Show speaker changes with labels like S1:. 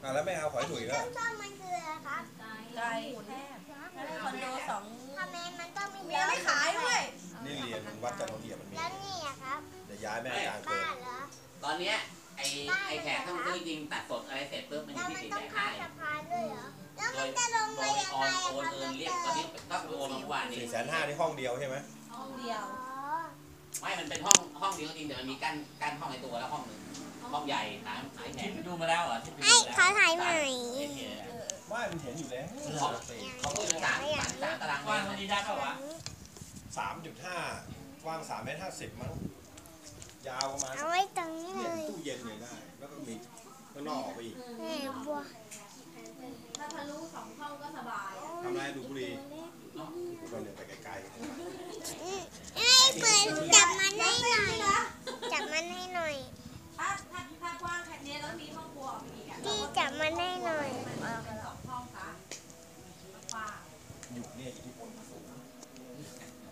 S1: แล้วไม่เอาขอยถุยแล้ว
S2: ส้มมันคืออะไรครับ
S3: ไก่แคบคอนโดสอง
S2: ทำไมมันต้องมี
S3: เมียไม่ขายด้วย
S1: นี่เรียนวัดจันทร์เทียมันมี
S2: แล้วนี่อะครับ
S1: เดี๋ยวย้ายแม่กลางเกิ
S2: บ้าน นเหรอ
S4: ตอนเนี้ยไอ้แขกถ้ามันซื้อจริงตัดสดอะไรเสร็จปุ๊บมัน
S2: แล้ว
S4: มี
S2: มัน
S4: สิท
S2: ต้อ
S4: ธิ์
S2: ง
S4: แจก
S2: ข้า
S4: ให้
S2: มสะพานด้วยเหรอแล้ว
S4: โด
S2: มัน
S4: ย
S2: จะลง
S4: โด
S2: ไป
S4: ย
S2: ยัง
S4: โอ
S2: ไง
S4: น
S2: อะ
S4: โอน
S2: ครับ
S4: เงินเรียกตอนนี้ต้องโอนมาเมื่อวานนี้
S1: 450,000นี่ห้องเดียวใช่ไหม
S3: ห้องเดียว
S4: ไม่มันเป็นห้องเดียวจริงแต่มันมีกั้นห้องในตัวแล้วห้องหนึ่งห้องใหญ่หายแขก
S5: ไปดูมาแล้วเหรอที่ไป
S2: ไอ้
S5: ดู
S2: เขาถ่ายใหม่
S1: ไม่มันเห็นอยู่แล้ว
S4: เขาคุยกันสามตารางเม
S5: ว่าง
S4: ตร
S5: วันนี้ได้ป่าวะ
S1: 3.5 กว้าง3.50 มั้งยาวประมาณ
S2: เอาไว้ตรงนี้
S1: เป
S2: เล
S1: ลี่ยน
S2: ย
S1: ตู้เย็นเลยได้ แล้วก็มีข้างนอกออกไปอีก
S2: แม่บัว
S3: ถ้าทะลุ2 ห้องก็สบาย
S1: ทำไรดูบุรีดูไปเลยไปไกล
S2: ไอ้เปิดจับมันให้หน่อยจับมันให้หน่อย
S3: ถ้ากว้างแค่นี้แล้วมีห้องครัวอีกอ่ะ
S2: พี่จับมันให้หน่อย
S3: มันเป็น2 ห้องซะกว้าง
S1: ๆอยู่เนี่ยอิทธิพลสูง